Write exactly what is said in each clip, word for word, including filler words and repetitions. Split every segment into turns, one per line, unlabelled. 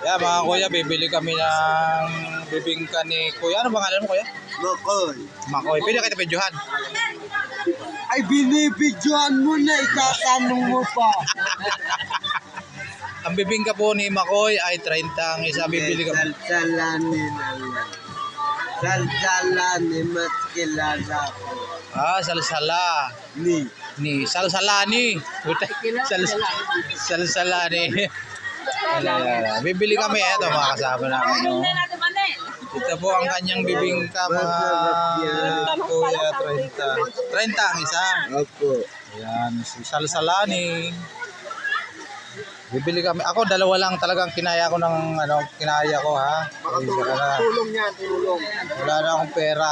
Yeah, mga kuya, bibili kami ng bibingka ni kuya. Ano pangalan mo, kuya?
Makoy.
Makoy. Pwede kita videohan.
Ay, binibidyoan mo na, itatanong mo pa.
Ang bibingka po ni Makoy ay thirty ang isa. Bibili kami.
Salsalani na lang. Salsalani, mas kilala ko.
Ah, salsala.
Ni.
Ni salsalani. Sal salsalani. Wala, bibili kami ito mga kasama namin. No? Ito po ang kanyang bibingka mga kuya, thirty. thirty ang isa.
Opo.
Ayan, si salsalani. Bibili kami. Ako dalawa lang talagang kinaya ko ng ano, kinaya ko ha.
Tulong yan, tulong.
Wala na akong pera.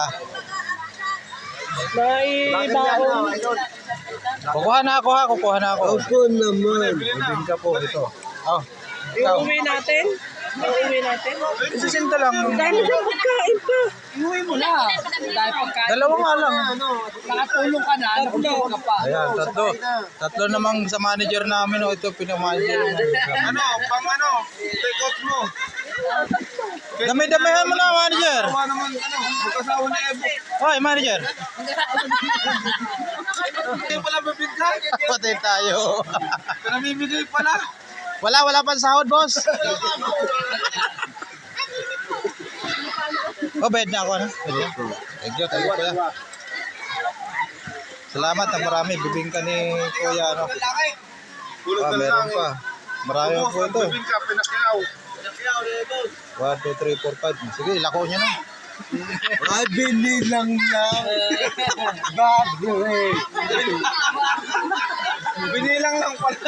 May baon.
Kukuha na ako ha, kukuha na ako.
Opo naman.
Bibingka po ito. Oh, ikaw.
Iuwi natin? Iuwi natin?
Isisinta lang.
Dami ng pagkain pa. Iuwi mo na. Dahil pagkain.
Dalawa nga lang.
Nakatulong ka na. Nakatulong ka pa.
Ayan, tatlo. Tatlo namang sa manager namin. Oh, ito pinamanager.
Ano, pang ano, take out mo.
Dami-damihan mo na, manager.
Kawa naman, ano, magkasawa na Evo.
Hoy, manager.
Hindi pala bibigka.
Patay tayo.
Namimigay pala.
Wala, wala pang sahod, boss. Oh, bayad na ako, ano? Thank you, thank you, kuya. Salamat na marami. Bibingka ni kuya, ano?
Tulog
Ah,
na
meron
lang.
pa. Marami po ito.
Bibigka, pinakyaw.
one, two, three, four, five. Sige, lako nyo na.
Ay, binilang lang. Baboy.
Binilang lang pala.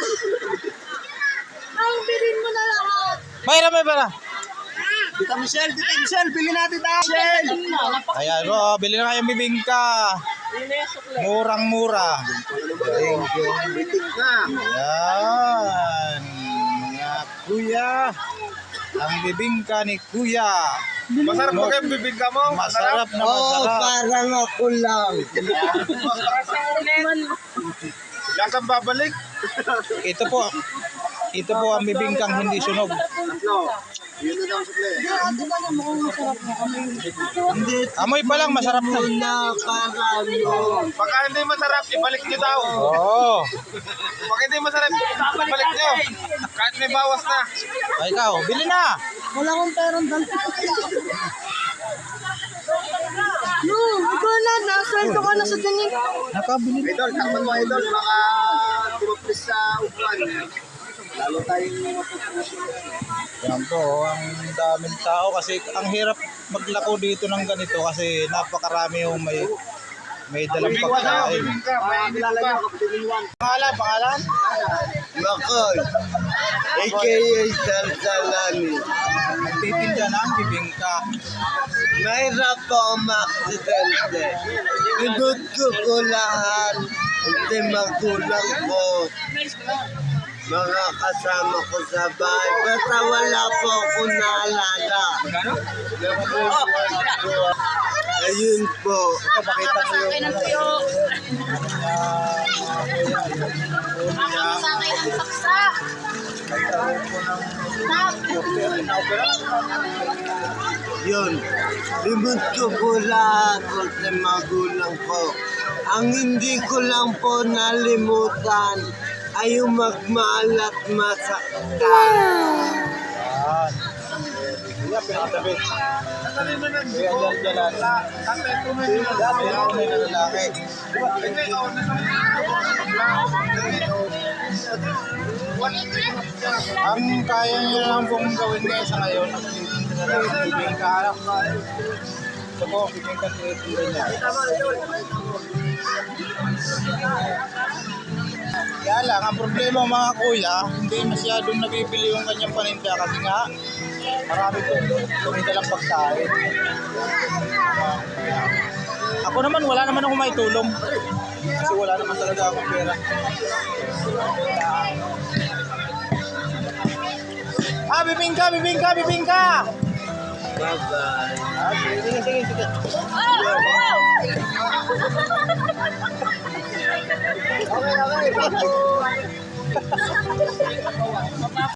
Ang bilhin mo na lahat.
Mayra, may pala.
Tita Michelle, Tita Michelle, bili natin tayo. Michelle.
Ayan, oh, bili na kayong bibingka. Murang-mura.
Thank you.
Ayan, mga kuya. Ang bibingka ni kuya.
Masarap ba kayong bibigka mo?
Masarap na
Oh,
masarap.
parang ako lang.
Lasang babalik.
Ito po, ito po ang bibingkang hindi sunog.
Yun na lang sukle.
Ate ba na mukhang masarap na kami?
Hindi
Amoy pa lang, masarap na.
na parang
Pagka hindi masarap, ibalik nyo daw.
Oo.
Pag hindi masarap, ibalik nyo. Kahit may bawas na.
Ay, ikaw, bili na.
Wala akong perang dante. No, ikaw na. Nasweldo ka na sa tingin.
Nakabili na.
Idol, takpan mo idol. Baka tumapis sa upuan. Lalo tayong matutusin.
Yan po, ang daming tao kasi ang hirap maglako dito ng ganito kasi napakarami yung may may dalang
Bibingka tayo,
pagkain.
bibingka. May init pa.
Pangalan, pangalan?
Makoy. A K A Salsalani.
Nagtitinda ng bibingka.
Mahirap po ang aksidente. Pinutko ko lahat. Hindi magulang ko. Mga kasama ko sa bahay. Basta wala po ako naalala. Ayun po.
Ito, pakita mo yung
Sa akin ang saksa.
Yun. Pinutko ko lahat kasi magulang ko. Ang hindi ko lang po nalimutan ay yung magmahal at masaktan.
Yan. Kuya, pinakatabi. Kuya, dyan, dyan.
Tatay, tumay nyo.
Dati ako may nalalaki. Ang kaya niya lang pong gawin ngayon sa ngayon, nagtitinda na ng bibingka. Ito po, bibingka tinitinda niya. Kaya lang, ang problema mga kuya, hindi masyadong nabibili yung kanyang paninda kasi nga marami po tumita lang pagkain. Ako naman, wala naman ako may tulong kasi wala naman talaga akong pera. Ah, bibingka, bibingka, bibingka!
Bye-bye.
Ah, sige, sige, sige.
Okay, okay.